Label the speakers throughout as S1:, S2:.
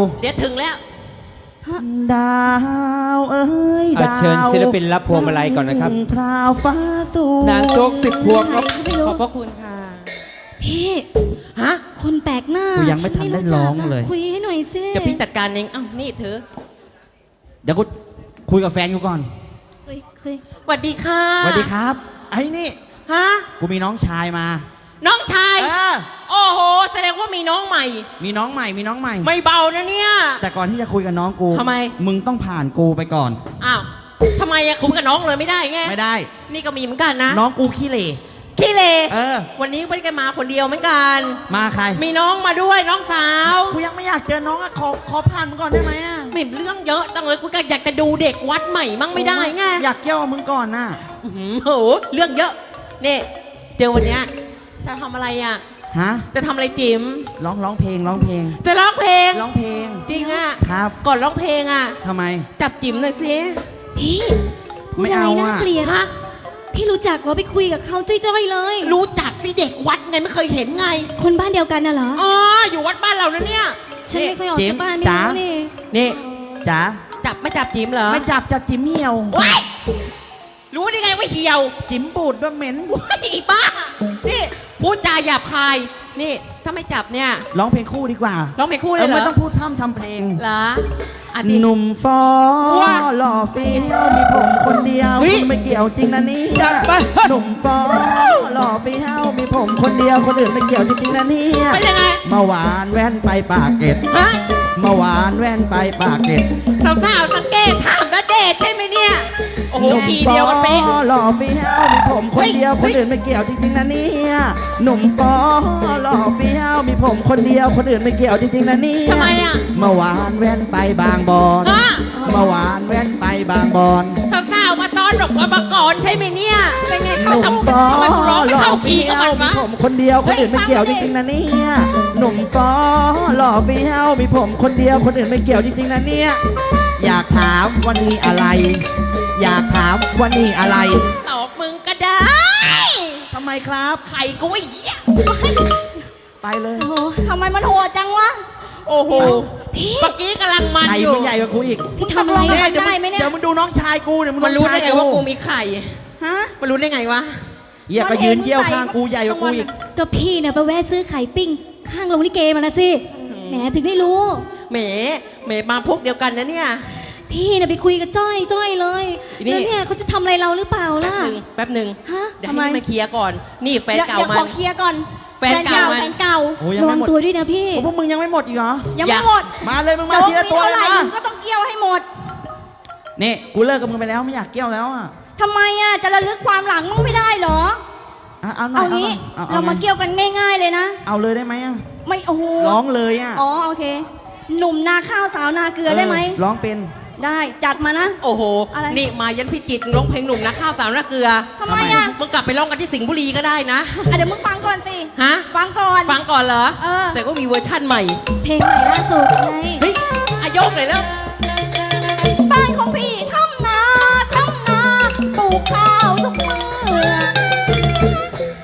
S1: เดี๋ยวถึงแล้ว
S2: ดาวเอ้ยดาว
S3: เชิญศิลปินรับพวงมาลัยก่อนนะครับ
S2: พราวฟ้าสูง
S3: นางโจ๊ก10 พวงครับ
S1: ขอบพระคุณค่ะ
S4: พี่
S1: ฮะ
S4: คนแปลกหน้า
S2: กูยังไม่ทันได้ร้องเลย
S4: คุยให้หน่อยสิ
S1: เดี๋ยวพี่จัดการเองเอ้านี่เธอ
S2: เดี๋ยวกูคุยกับแฟนกูก่อน
S4: คุย
S1: สวัสดีค่ะ
S2: สวัสดีครับไอ้นี่
S1: ฮะ
S2: กูมีน้องชายมา
S1: น้องชาย
S2: เออ
S1: โอ้โหแสดงว่ามีน้องใหม่
S2: มีน้องใหม่มีน้องใหม่
S1: ไม่เบานะเนี่ย
S2: แต่ก่อนที่จะคุยกับน้องกู
S1: ทำไม
S2: มึงต้องผ่านกูไปก่อน
S1: อ้าวทำไมอะคุยกับน้องเลยไม่ได้ไง
S2: ไม่ได้
S1: นี่ก็มีเหมือนกันนะ
S2: น้องกูขี้เหร่
S1: ขี้เล
S2: เออ
S1: วันนี้ไม่ได้มาคนเดียวเหมือนกัน
S2: มาใคร
S1: มีน้องมาด้วยน้องสาว
S2: กูยังไม่อยากเจอน้องอะขอผ่านมึงก่อนได้ไหมอะ
S1: ไม่เรื่องเยอะจังเลยกูก็อยากจะดูเด็กวัดใหม่มั่งไม่ได้ไง
S2: อยากเกี่ยวกับมึงก่อนน่ะ
S1: อื้อหือโหเรื่องเยอะนี่เดี๋ยววันเนี้ยจะทำอะไรอ่ะ
S2: ฮะ
S1: จะทำอะไรจิ๋ม
S2: ร้องเพลงร้องเพลง
S1: จะร้องเพลง
S2: ร้องเพลง
S1: จริงอ่ะ
S2: ครับ
S1: ก่อนร้องเพลงอ่ะ
S2: ทำไม
S1: จับจิ๋มหน่อยสิ
S4: พี่พูด
S2: ไม่
S4: อะไร
S2: เอา
S4: น่า
S2: อะ
S4: เกลียด
S1: ฮะ
S4: พี่รู้จักว่าไปคุยกับเขาจ้อยๆเลย
S1: รู้จักสิเด็กวัดไงไม่เคยเห็นไง
S4: คนบ้านเดียวกันน่ะเหรอ
S1: อ๋ออยู่วัดบ้านเรานะเนี่ย
S4: ฉันไม่ค่อยออก
S2: จิ๋ม
S4: จากบ้านไม่
S2: จ๋า
S4: รู้นี่
S1: นี่
S2: จ๋า
S1: จับไม่จับจิ๋มเหรอ
S2: ไม่จับจิ๋มเหี่ยว
S1: ว้ายรู้ได้ไงว่าเหี่ยว
S2: จิ๋มบูดด้วยเหม็น
S1: ว้ายอีบ้านี่พูดจาหยาบคายนี่ถ้าไม่จับเนี่ย
S2: ร้องเพลงคู่ดีกว่า
S1: ร้องเพลงคู่เลยเหรอ
S2: ไม่ต้องพูดท่ำทำเพลง
S1: เหรออ่ะดิ
S2: หนุ่มฟอ
S1: ว้า
S2: หล่อเฟี้ยวมีผมคนเดียว
S1: เฮ้ย
S2: ไม่เกี่ยวจริงนะเนี่ย
S3: จัดไป
S2: หนุ่มฟอหล่อเฟี้ยวมีผมคนเดียวคนอื่นไม่เกี่ยวจริงๆนะเนี่ย
S1: เป็นยังไง
S2: เมื่อวานแว่นไปปากเกร็ด
S1: ฮะ
S2: เมื่อวานแว่นไปปากเกร็ด
S1: สาวๆสังเกตถามณเดชน์ใช่ไหมเนี่ย โอ้โห
S2: หนุ่ม
S1: ที
S2: ฟอ
S1: เดียวกันเป๊ะ
S2: หล่อเฟี้ยวมีผมคนเดียว
S1: เฮ้
S2: คน
S1: ย
S2: อื่นไม่เกี่ยวจริงๆนะเนี่ยหนุ่มฟอหล่อเฟี้ยวมีผมคนเดียวคนอื่นไม่เกี่ยวจริงๆนะเนี่ย
S1: ทำไมอ่ะ
S2: เมื่อวานแว่นไปบางบอน
S1: ฮะ
S2: เมื่อวานแว่นไปบางบอน
S1: สาวๆมาต้อนรับกันมาก่อนใช่ไหมเนี่ย เป็นไง
S2: ห
S1: เข้า
S2: นุ่ม
S1: ทำ
S2: ฟอ
S1: ทำไมกูร้องไม่
S2: หล่อ
S1: เข้าคี
S2: เฟี้
S1: ย์
S2: ย
S1: กับ
S2: ว
S1: มัน
S2: มี
S1: วะ
S2: ผมคนเดียวคนอื่น
S1: เฮ้ย
S2: ไม่เกี่ยว
S1: ฟั
S2: จ
S1: งดิ
S2: ริงๆนะเนี่ยหนุ่มฟอหล่อเฟี้ยวมีผมคนเดียวคนอื่นไม่เกี่ยวจริงๆนะเนี่ยอยากถามวันนี้อะไร อยากถามวันนี้อะไร
S1: ตอบมึงก็ได้
S2: ทำไมครับ
S1: ไข่กูไอ้เหี้ย
S2: ไปเลย
S4: โอ้โห
S5: ทำไมมันโหดจังวะ
S1: โอ้โห
S4: พี่
S1: เมื่อกี้กำลังมัน
S2: ไข่
S1: อยู่
S2: มันใหญ่กว่ากูอีก
S4: พี่ทำอะไร
S5: มึง
S4: อะ
S5: ตกลง ได้ไหมเนี่ย
S2: เดี๋ยวมึงดูน้องชายกูเดี๋ยวมึง
S1: มันรู้ได้ไงว่ากูมีไข่
S5: ฮะ
S1: มันรู้ได้ไงวะ
S2: เหี้ยก็ยืนเยี่ยวข้างกูใหญ่กว่ากูอีก
S4: ก็พี่เนี่ยไปแวะซื้อไข่ปิ้งข้างโรงลิเกมานะสิแหมถึงได้รู้
S1: แหมมาพวกเดียวกันนะเนี่ย
S4: พี่เนี่ยไปคุยกับจ้อยเลย
S1: นี่
S4: แล้วเนี่ยเขาจะทำอะไรเราหรือเปล่า
S1: แป๊บ
S4: ล่ะ
S1: หนึ่งแป๊บหนึ่ง
S4: ฮะ
S1: เดี๋ยว
S5: ทำไม
S1: ให้มาเคลียร์ก่อน นี่แฟน
S5: เดี๋ยว
S1: เก่า
S5: เดี๋ยว
S1: มั
S5: ขอน เคลียร์ก่อน
S1: แฟนเก่ามัน
S5: แฟนเก่า
S2: โอ้ยยัง
S4: ระวั
S2: ไม่
S4: ง
S2: หมด
S4: ตัวด้วยนะพี่
S2: โอ้พวกมึงยังไม่หมดอีกเหรอ
S5: ยังไม่หมด
S2: มาเลยมึงมา
S5: โจ๊ก
S2: ทีละ
S5: มี
S2: ตัว
S5: เท่า
S2: เล
S5: ไห
S2: ย
S5: ร่
S2: นะ
S5: มึงก็ต้องเกี่ยวให้หมด
S2: นี่กูเลิกกับมึงไปแล้วไม่อยากเกี่ยวแล้วอ่ะ
S5: ทำไมอ่ะจะระลึกความหลังมึงไม่ได้เหรอ
S2: เอาหน่
S5: เอา
S2: อย
S5: งี้
S2: เอา
S5: เรามาเกี่ยวกันง่าย ๆเลยนะ
S2: เอาเลยได้ไหมอ่ะ
S5: ไม่โอ้โห
S2: ร้องเลยอ่ะ
S5: อ๋อโอเค หนุ่มนาข้าวสาวนาเกลือได้ไหม
S2: ร้องเป็น
S5: ได้จัดมานะ
S1: โอ้โห
S5: อะไร
S1: นี่มายันพิจิตรร้องเพลงหนุ่มนะข้าวสาวนาเกลือ
S5: ทำไมอ่ะ
S1: มึงกลับไปร้องกันที่สิงห์บุรีก็ได้นะ
S5: อ่ะเดี๋ยวมึงฟังก่อนสิ
S1: ฮะ
S5: ฟังก่อน
S1: ฟังก่อนเหรอ
S5: เออ
S1: แต่ก็มีเวอร์ชั่นใหม่
S4: เพลงใหม่ล่าสุดไง
S1: เฮ้ยอายกเลยแล้ว
S5: บ้านของพี่ทำนาปลูกข้าวทุกมื้อ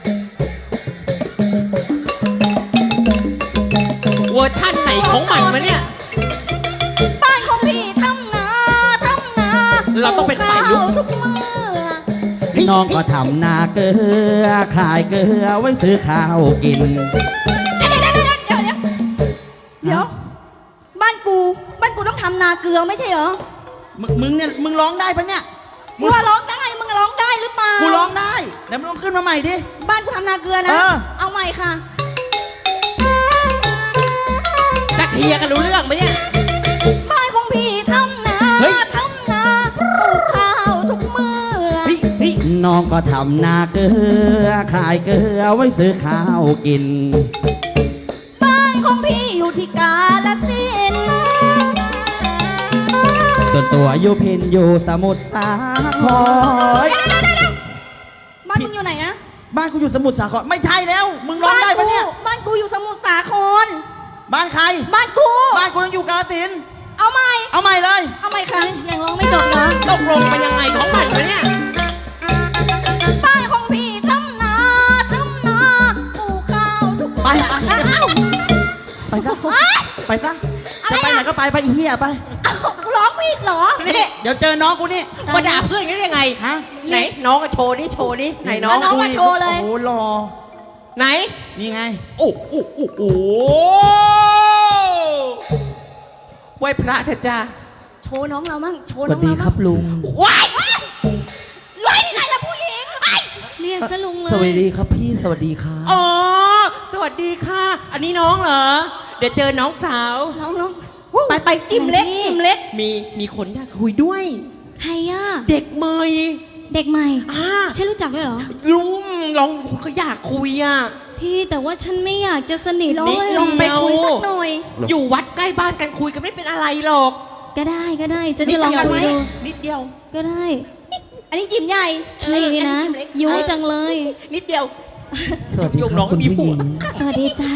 S1: เวอร์ชั่นไหนของมันวะเนี่ย
S5: บ้านของพี่ทำนา
S1: เราต้องเป็นฝ่ายลุก
S5: ปลูกข้าวทุกมื้อ
S2: น้องก็ทำนาเกลือขายเกลือไว้ซื้อข้าวกิน
S5: เดี๋ยวบ้านกูต้องทำนาเกลือไม่ใช่เหรอ
S2: มึงเนี่ยมึงร้องได้ปะเนี่ย
S5: กูว่าร้องได้มึงร้องได้หรือเปล่า
S2: กูร้องได้เดี๋ยวมึงลองขึ้นมาใหม่ดิ
S5: บ้านกูทำนาเกลือนะ
S2: เออ
S5: เอาใหม่ค่ะ
S1: จะเคลียร์กันรู้เรื่องไหมเนี่ย
S5: บ้านของพี่ทำนา
S2: เฮ้ย
S5: ปลูกข้าวทุกมื้อ
S1: เฮ้ยเฮ้ย
S2: น้องก็ทำนาเกลือขายเกลือไว้ซื้อข้าวกิน
S5: บ้านของพี่อยู่ที่กาฬสินธุ์
S2: ส่วนตัวอยู่พินอยู่สมุทรสาคร
S5: บ้านมึงอยู่ไหนนะ
S2: บ้านกูอยู่สมุทรสาครไม่ใช่แล้ว มึงร้องได้ปะเนี่ย
S5: บ้านกูอยู่สมุทรสาคร
S2: บ้านใคร
S5: บ้านกู
S2: บ้านกูยังอยู่กาฬสินธุ์
S5: เอาใหม่
S2: เอาใหม่เลย
S5: เอาใหม่ค่ะ
S4: ยังร้องไม่จบเหรอ
S1: ตกลงเป็นยังไงของมันวะเนี่ย
S5: บ้านของพี่ทำนาปลูกข้าวทุก
S2: ไป
S5: มื้อ
S2: ไปไปซะไปซะ
S5: อ
S2: จะไปไหนก็ไปไปอีเหี้ยไป
S5: เอ้ากูร้องผิดเหรอ
S1: นี่
S2: เดี๋ยวเจอน้องกูนี่
S1: มาด่าเพื่อนกันได้ยังไง
S2: ฮะ
S1: ไหนน้องก็โชว์นี่โชว์นี่ไหนน้อง
S5: น้องมาโชว์เลย
S2: โอ้โหรอ
S1: ไหน
S2: นี่ไง
S1: โอ้โอ้โอ้โอ้ไหว้พระเถอะจ้า
S5: โชว์น้องเรามั่งโชว์
S2: ส
S5: น้
S2: วั
S5: อ
S2: ส
S5: ง
S2: ดี
S5: เรา
S2: ค
S5: มั่
S2: รั
S5: ง
S2: บลุง
S1: ว้าย
S5: ร้อยที่ไหนล่ะผู้หญิงไอ้
S4: เรียกซะลุงเลย
S2: สวัสดีครับพี่สวัสดีครับ
S1: อ๋อสวัสดีค่ะ อันนี้น้องเหรอเดี๋ยวเจอน้องสาว
S5: น้องไปจิ้มเล็กจิ้มเล็ก
S1: มีคนอยากคุยด้วย
S4: ใครอ่ะ
S1: เด็กเมย
S4: เด็กใหม่
S1: อ่า
S4: ฉันรู้จักด้วยเหรอ
S1: ลุงลองเขาอยากคุยอ่ะ
S4: พี่แต่ว่าฉันไม่อยากจะสนิท
S5: ลอง
S4: ด้วย
S5: ลองไปคุยสักหน่อย
S1: อยู่วัดใกล้บ้านกันคุยกันไม่เป็นอะไรหรอก
S4: ก็ได้จะจะลองคุยดู
S1: นิดเดียว
S4: ก็ได้
S5: อันนี้จิ้มใหญ่
S4: นี่นะ
S5: จิ้มเล็ก
S4: ยุจังเลย
S1: นิดเดียว
S2: สวัสดี
S1: ยก
S2: ค
S1: น้
S2: รั
S1: อบ ง
S2: คุณ
S1: มี
S2: ผู้หญิง
S1: ผัว
S4: สวัสดีจ้า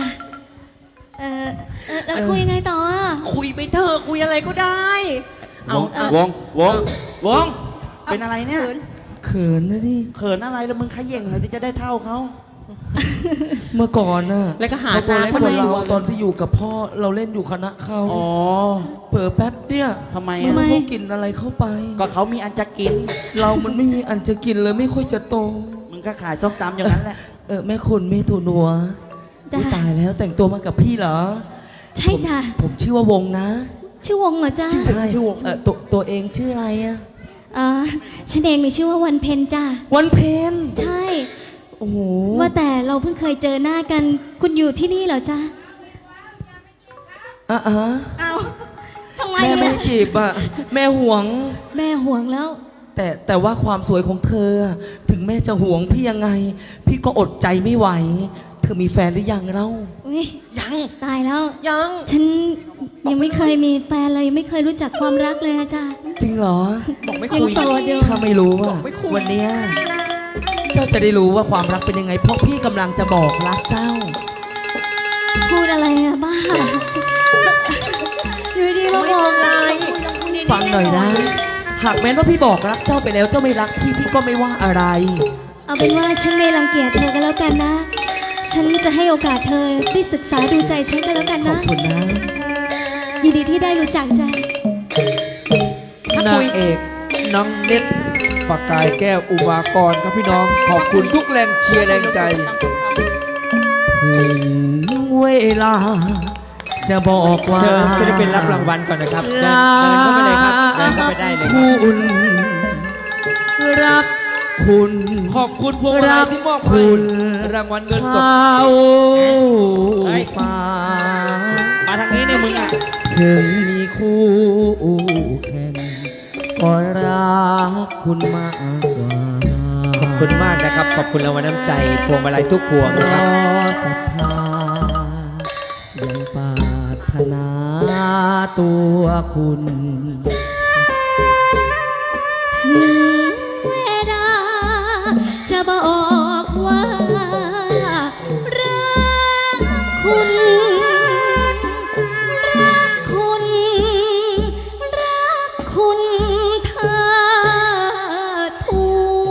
S4: แล้วคุยยังไงต่ออ่ะ
S1: คุยไปเถอะคุยอะไรก็ได้ เอา
S3: วง วง
S2: เป็นอะไรเนี่ยเขินนะดิเขินอะไรแล้วมึงขย่งเลยที่จะได้เท่าเขาเมื่อก่อนน่ะ
S1: แล้วก็หา
S2: เขาตัว
S1: ทาง
S2: เล็ก
S1: คน
S2: กว่า
S1: ไหน
S2: เราตอนที่อยู่กับพ่อเราเล่นอยู่คณะเขาอ๋อเผลอแป๊บเนี่ยทำไม
S4: ทำไม
S2: เขากินอะไรเข้าไป ก็เขามีอันจะกิน เรามันไม่มีอันจะกินเลยไม่ค่อยจะโตมึงก็ขายส้มตำอย่างนั้นแหละแม่คุณแม่ถูนัว
S4: จ้า
S2: อุ๊ยตายแล้วแต่งตัวมากับพี่เหรอ
S4: ใช่จ้า
S2: ผมชื่อว่าวงนะ
S4: ชื่อวงเหรอจ้า
S2: ใช่ตัวเองชื่ออะไรอะ
S4: ฉันเองมีชื่อว่าวันเพ็ญจ้า
S2: วันเพ็ญ
S4: ใช่
S2: โอ้โห
S4: ว่าแต่เราเพิ่งเคยเจอหน้ากัน คุณอยู่ที่นี่เหรอจ้า
S2: อ่ะ
S5: เอาทำไม
S2: แม่ไม่
S5: เนี่ย
S2: ได้จีบอ่ะแม่ห่วง
S4: แม่ห่วงแล้ว
S2: แต่ว่าความสวยของเธอ ถึงแม่จะห่วงพี่ยังไง พี่ก็อดใจไม่ไหว เธอมีแฟนหรือยังเล่า
S4: อุ้ย
S1: ยัง
S4: ตายแล้ว
S1: ยัง
S4: ฉันยังไม่เคยมีแฟนเลยไม่เคยรู้จักความรักเลยอะจ้า
S2: จริงเหรอ
S1: บอกไม่
S4: ยัง
S1: คุย
S4: โสดอยู่
S2: ถ้าไม่รู้ว่า
S1: ไม่คุย
S2: วันเนี้ยเจ้าจะได้รู้ว่าความรักเป็นยังไง เพราะพี่กำลังจะบอกรักเจ้า
S4: พูดอะไรอะบ้า อยู่ดีๆมาบอกอะไร
S2: ฟังหน่อยนะ หากแม้ว่าพี่บอกรักเจ้าไปแล้วเจ้าไม่รักพี่ก็ไม่ว่าอะไร
S4: เอาเป็นว่าฉันไม่รังเกียจเธอกันแล้วกันนะ ฉันจะให้โอกาสเธอได้ศึกษาดูใจฉันกันแล้วกัน
S2: ขอบ
S4: นะ
S2: คุณนะ
S4: ยินดีที่ได้รู้จักจ้ะ
S3: นางเอกน้องเน็ตปากกายแก้วอุมากรครับพี่น้อง ขอบคุณทุกแรงเชียร์แรงใจ
S2: ถึงเวลา จะบอกว่า
S3: เชิญศิลปินรับรางวัลก่อนนะครับ เดินเข้าไปเลยครับ เดินเข้าไปได้เลยครับ
S2: คุณรักคุณ
S3: ขอบคุณพวงมาลัยที่มอบ
S2: คุ
S3: ให้
S2: ณ
S3: รางวัลเงินสด
S2: เขาฟ้า
S1: มาทางนี้เนี่ยมึงอ่ะ
S2: ถึงมีคู่แข่งก็รักคุณมากกว่า
S3: ขอบคุณมากนะครับ ขอบคุณรางวัลน้ำใจพวงมาลัยทุกพวง
S2: ร
S3: นะครับ
S2: อศรัทธายังปรารถนาตัวคุณ
S4: ถึงเวลาจะบอกว่ารักคุณ รักคุณ รักคุณเธอทู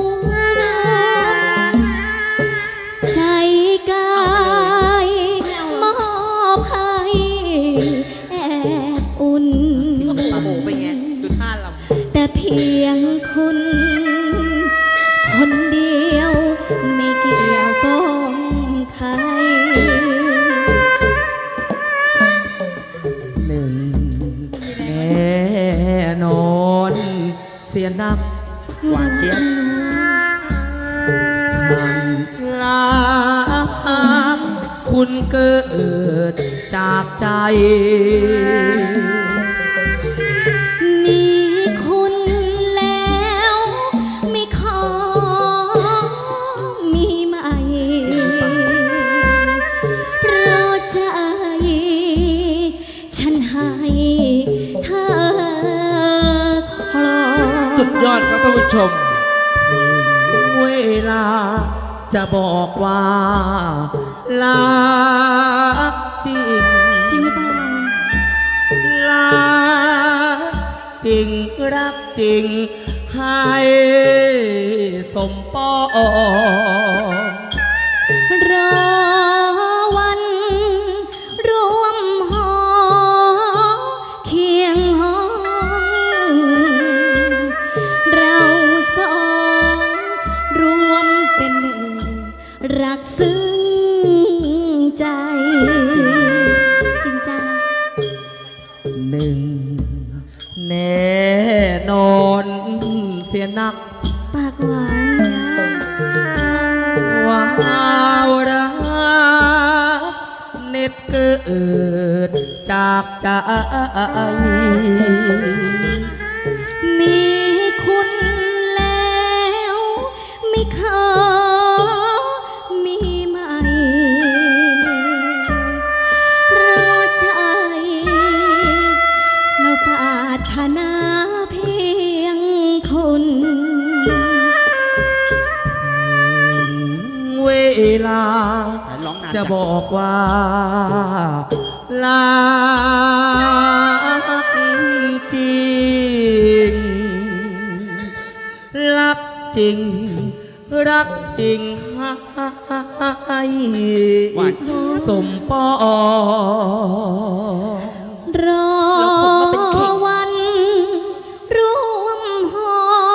S4: ใจกายมอบให้แอบอุ่น
S1: โอ้โหเป็นไงดูท่าลำ
S4: แต่เพียงคุณ คนเดียวไม่เกี่ยวก้องใคร
S2: หนึ่งแน่นอนเสียนักหวานเจี๊ยบฉันรักคุณเกิดจากใจ
S4: มีคุณแล้วไม่ขอมีใหม่ เพราะใจฉันให้เธอครอง
S3: สุดยอดครับท่านผู้ชม
S2: เวลาจะบอกว่ารักจริง
S4: จริงหรือเปล่า
S2: รักจริงรักจริงให้สมปอง
S4: รอวันรวมหอ
S2: หนึ่งแน่นอนเสียนัก
S4: ปากหวานนะ
S2: ว้าวรักเน็ตเกิดจากใจ
S4: มีคุณแล้วไม่ขอมีใหม่เพราะใจเราปรารถนาเพียงคุณ
S2: เวลาจะบอกว่ารักจริง รักจริง รักจริงให้สมปอง
S4: รอวันร่วมหอ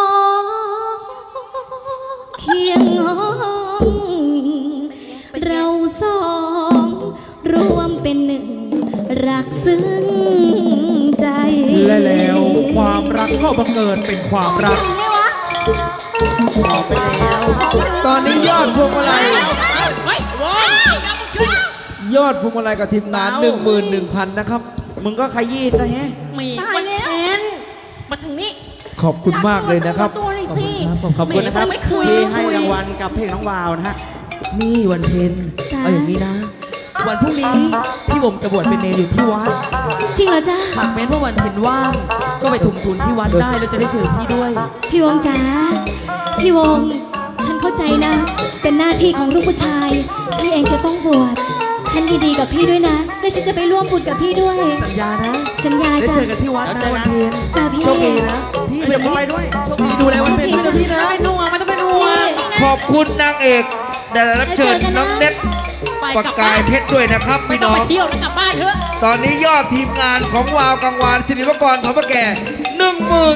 S4: เคียงห้องเราสองรวมเป็นหนึ่งรักซึ้งใจ
S3: และแล้วความรักก็บังเกิดเป็นความรัก
S2: ต่อไปแล้ว
S3: ตอนนี้ยอดพวงมาลัย
S1: เฮ้ยโว้ยอย่ามาช่วย
S3: ยอดพวงมาลัยกับทีมงาน 11,000 นะครับ
S2: มึงก็ขยี้ซะแฮะ
S1: มีคนเห็นมาทางนี้
S3: ขอบคุณมากเลยนะครับ
S5: ตัวเลยสิ
S2: ขอบคุณนะครับ
S1: ไม่คุย
S2: ที่
S1: ไม่คุย
S2: ให้รางวัลกับเพลงน้องวาวนะฮะ
S6: นี่วันเพ็ญ
S4: จ้า
S6: เอาอย่างนี้นะ วันพรุ่งนี้พี่บมจะบวชเป็นเนรอยู่ที่วัด
S4: จริงเหรอจ๊ะ
S6: หากแม้นว่าวันเพ็ญว่าง ก็ไปถุมทุนที่วัดได้แล้วจะได้เจอพี่ด้วย
S4: พี่วงจ๋าพี่วงฉันเข้าใจนะ เป็นหน้าที่ของลูกผู้ชายพี่เองจะต้องบวชฉันยินดีกับพี่ด้วยนะและฉันจะไปร่วมบุญกับพี่ด้วย
S6: สัญญานะ
S4: สัญญา
S6: ได้
S4: จ้ะ
S6: เจอกันที่วัดนะวันเพ็ญ
S4: จ้ะพี่
S6: โชคดีนะ
S2: พี่เดี๋ยวไปด้วย
S6: โชคดีดูแลวันเพ็ญด้วยนะพี่นะ
S1: ไม่เป็นห่วงไม่ต้องเป็นห่วง
S3: ขอบคุณนางเอกได้รับเชิญน้องเน็ต
S1: ไป
S3: ประ
S1: กลับ
S3: กา
S1: บ้าย น
S3: เพชรด้วยนะครับ
S1: ไม่
S3: พี่
S1: ต้อง
S3: น้อ
S1: ไป
S3: ง
S1: เที่ยวแล้วกลับบ้านเถอะ
S3: ตอนนี้ยอดทีมงานของวาวกังวานศิริวกรทอพแก่10,000